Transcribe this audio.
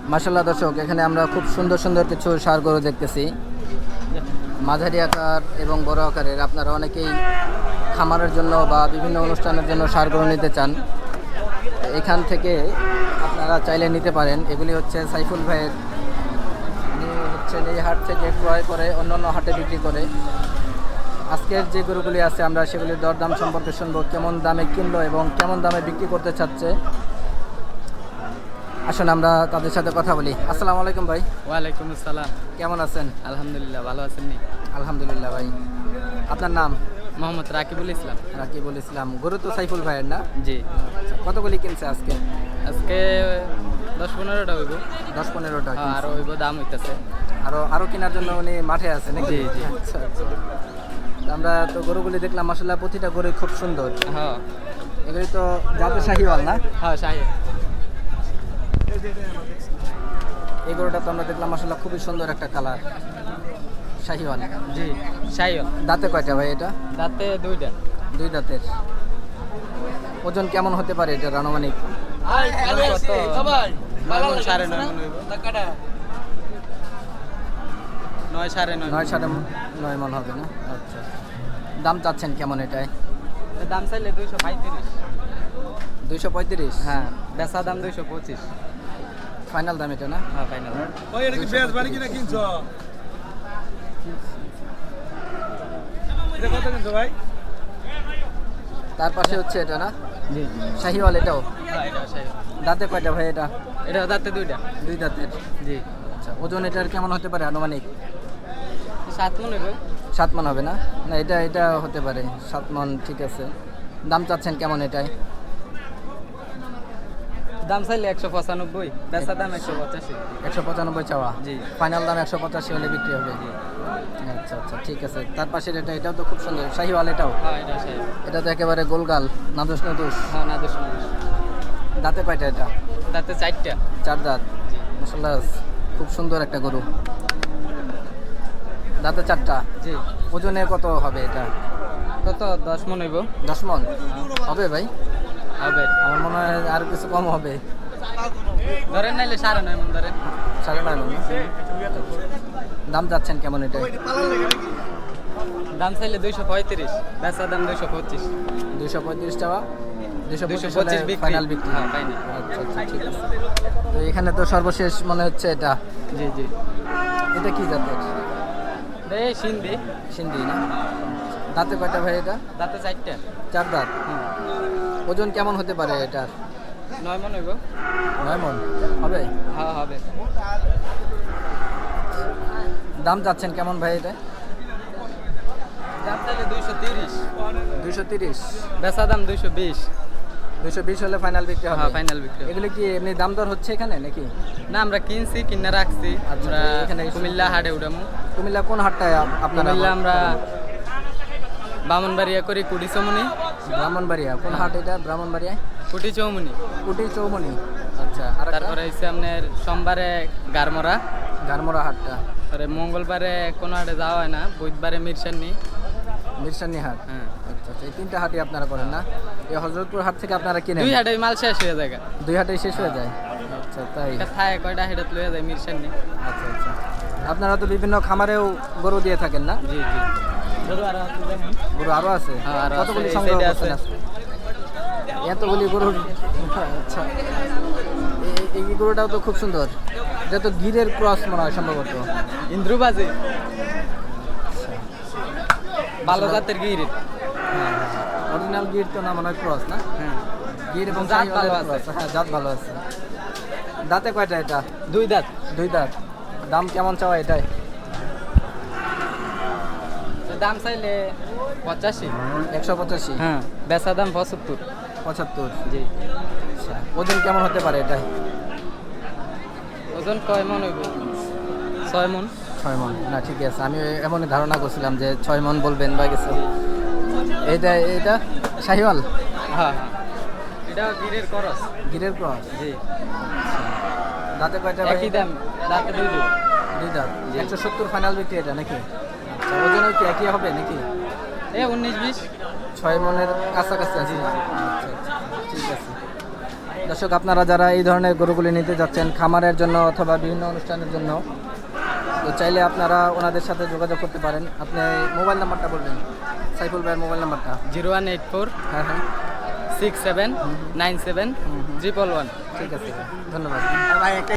মাশাআল্লাহ দর্শক, এখানে আমরা খুব সুন্দর সুন্দর কিছু ষাঁড় গরু দেখতেছি, মাঝারি আকার এবং বড় আকারের। আপনারা অনেকেই খামারের জন্য বা বিভিন্ন অনুষ্ঠানের জন্য ষাঁড় গরু নিতে চান, এখান থেকে আপনারা চাইলে নিতে পারেন। এগুলি হচ্ছে সাইফুল ভাইয়ের, উনি হচ্ছেন এই হাট থেকে ক্রয় করে অন্যান্য হাটে বিক্রি করে। আজকের যে গরুগুলি আছে আমরা সেগুলির দরদাম সম্পর্কে শুনবো, কেমন দামে কিনলো এবং কেমন দামে বিক্রি করতে চাচ্ছে। আসুন আমরা তাদের সাথে কথা বলি। আসসালামু আলাইকুম ভাই। ওয়ালাইকুম আসসালাম। কেমন আছেন? আলহামদুলিল্লাহ, ভালো আছেন নি? আলহামদুলিল্লাহ ভাই। আপনার নাম? মোহাম্মদ রাকিবুল ইসলাম। রাকিবুল ইসলাম। গরু তো সাইফুল ভাইয়ের না? জি। আচ্ছা, কতগুলি কিনছে আজকে? আজকে 10-15টা হইব। 10-15টা। আরো হইব, দাম হইতাছে। আরো কেনার জন্য উনি মাঠে আছে নাকি? জি জি। আচ্ছা আচ্ছা। আমরা তো গরুগুলি দেখলাম, মাশাআল্লাহ প্রতিটা গরু খুব সুন্দর। হ্যাঁ এগুলি তো জাতের শাহিওয়াল না? হ্যাঁ, শাহী। এই গরুটা তো আমরা দেখলাম, মাশাআল্লাহ খুবই সুন্দর একটা কালার, শাহিওয়াল। জি, শাহী। দাঁতে কয়টা ভাই এটা? দাঁতে দুইটা। দুই দাঁতের। ওজন কেমন হতে পারে এটার আনুমানিক? কত? 9 সাড়ে 9 মণ হইব। 9 সাড়ে 9। 9.5 মণ হবে না? আচ্ছা। দাম চাচ্ছেন কেমন এটায়? দাম চাইলে 235। 235? হ্যাঁ, বেচা দাম 225। ফাইনাল দাম এটা না? হ্যাঁ, ফাইনাল। ওই এটা কি বেশ বাড়ি কিনা কিনছো? এটা কত কিনছো ভাই? তার পাশে হচ্ছে এটা না? জি জি। শাহিওয়াল এটাও? হ্যাঁ, এটা শাহী। দাঁতে কয়টা ভাই এটা? এটা দাঁতে দুইটা। দুই দাঁতের। জি। আচ্ছা, ওজন এটার কেমন হতে পারে আনুমানিক? 7 মণ হইব। 7 মণ হবে না? না, এটা হতে পারে 7 মণ। ঠিক আছে। দাম চাচ্ছেন কেমন এটায়? দাম চাইলে 195, বেচা দাম 185। 195 চাওয়া? জি। ফাইনাল দাম 185 হলে বিক্রি হবে? জি। আচ্ছা আচ্ছা, ঠিক আছে। তার পাশের এটাও তো খুব সুন্দর, শাহিওয়াল এটাও? হ্যাঁ, এটা শাহী। এটা তো একেবারে গোলগাল, নাদুস নাদুস। হ্যাঁ, না দোষ। দাঁতে কয়টা এটা? দাঁতে 4টা। 4 দাঁত। মাশাআল্লাহ খুব সুন্দর একটা গরু। দাঁতে 4টা। জি। ওজনে কত হবে এটা? কত? 10 মণ হইব। 10 মণ হবে ভাই? হবে। আমার মনে হয় আর কিছু কম হবে। ধরেন নাইলে 9.5 মণ ধরেন। 9.5 মণ। দাম যাচ্ছেন কেমন এটা? দাম চাইলে 235, বেচা দাম 225। 235 চাওয়া, 225 বিক্রি। ফাইনাল বিক্রি? হ্যাঁ, ফাইনাল। আচ্ছা আচ্ছা, ঠিক আছে। তো এখানে তো সর্বশেষ মনে হচ্ছে এটা। জি জি। এটা কি জাতের? এই সিন্ধি। সিন্ধি না? দাঁতে কয়টা ভাই এটা? দাঁতে 4টা। 4 দাঁত। হুম। ওজন কেমন হতে পারে এটার? 9 মণ হইব। 9 মণ হবে? হ্যাঁ, হবে। দাম যাচ্ছেন কেমন ভাই এটা? দাম চাইলে 230, 230? বেচা দাম 220। 220 হলে ফাইনাল বিক্রি হবে? হ্যাঁ, ফাইনাল বিক্রি হবে। এগুলো কি এমনি দাম দর হচ্ছে এখানে নাকি? না, আমরা কিনছি, কিনে রাখছি। আচ্ছা, আমরা এখানে কুমিল্লা হাটে উঠামু। কুমিল্লা কোন হাটটায় আপনারা? কুমিল্লা আমরা বামনবাড়িয়া করি, কুটি চৌমনি। ব্রাহ্মণবাড়িয়া? কোন হাট এটা ব্রাহ্মণবাড়িয়ায়? কুটি চৌমনি। কুটি চৌমনি। আচ্ছা। আর তারপরে হচ্ছে আপনার সোমবারে গারমরা, গারমোড়া হাটটা। তারপরে মঙ্গলবারে কোনো হাটে যাওয়া হয় না, বুধবারে মিরসান্নি। মিরসানি হাট? হ্যাঁ। আচ্ছা আচ্ছা, এই 3টা হাটই আপনারা করেন না? এই হযরতপুর হাট থেকে আপনারা কিনেন? 2 হাটে মাল শেষ হয়ে যায়। 2 হাটেই শেষ হয়ে যায়? আচ্ছা, তাই? এটা থায় কয়টা হেডত লয়ে যায় মিরসান্নি। আচ্ছা আচ্ছা। আপনারা তো বিভিন্ন খামারেও গরু দিয়ে থাকেন না? জি জি। গরু আরো আছে দেখেন। গরু আরো আছে? হ্যাঁ, আরো আছে। কতগুলি এই সংগ্রহ সাইডে করছেন আছে। আজকে? এতগুলি গরু? আচ্ছা। এই গরুটাও তো খুব সুন্দর, এটা তো গিরের ক্রস মনে হয় সম্ভবত। ইন্দ্রুবাজি, ভালো জাতের গির। হ্যাঁ, অরিজিনাল গির তো না, মনে হয় ক্রস না? হ্যাঁ, গির এবং জাত ভালো শাহিওয়ালের আছে। cross। হ্যাঁ, জাত ভালো আছে। দাঁতে কয়টা এটা? 2 দাঁত। 2 দাঁত। দাম কেমন চাওয়া এটাই? দাম চাইলে 85। 185? হ্যাঁ, বেচা দাম 75। 75? জি। আচ্ছা। ওজন কেমন হতে পারে এটাই? ওজন কয় মণ হইব? 6 মণ। 6 মণ? না, ঠিক আছে, আমি এমনই ধারণা করছিলাম যে 6 মণ বলবেন বা কিছু। এটা শাহিওয়াল? হ্যাঁ, এটা গিরের করস। গিরের ক্রস? জি। দাঁতে কয়টা ভাই? একই দাম, দাঁতে 2 দাঁত। 2 দাঁত। 170 ফাইনাল বিক্রি এটা নাকি? আচ্ছা, ওজনও কি একই হবে নাকি? 19-20। 6 মণের কাছাকাছি আছে? আচ্ছা আচ্ছা, ঠিক আছে। দর্শক আপনারা যারা এই ধরনের গরুগুলি নিতে যাচ্ছেন খামারের জন্য অথবা বিভিন্ন অনুষ্ঠানের জন্য, তো চাইলে আপনারা ওনাদের সাথে যোগাযোগ করতে পারেন। আপনি মোবাইল নাম্বারটা বলবেন, সাইফুল ভাইয়ের মোবাইল নাম্বারটা। 0184 হ্যাঁ হ্যাঁ 67 97 111। ঠিক আছে, ধন্যবাদ।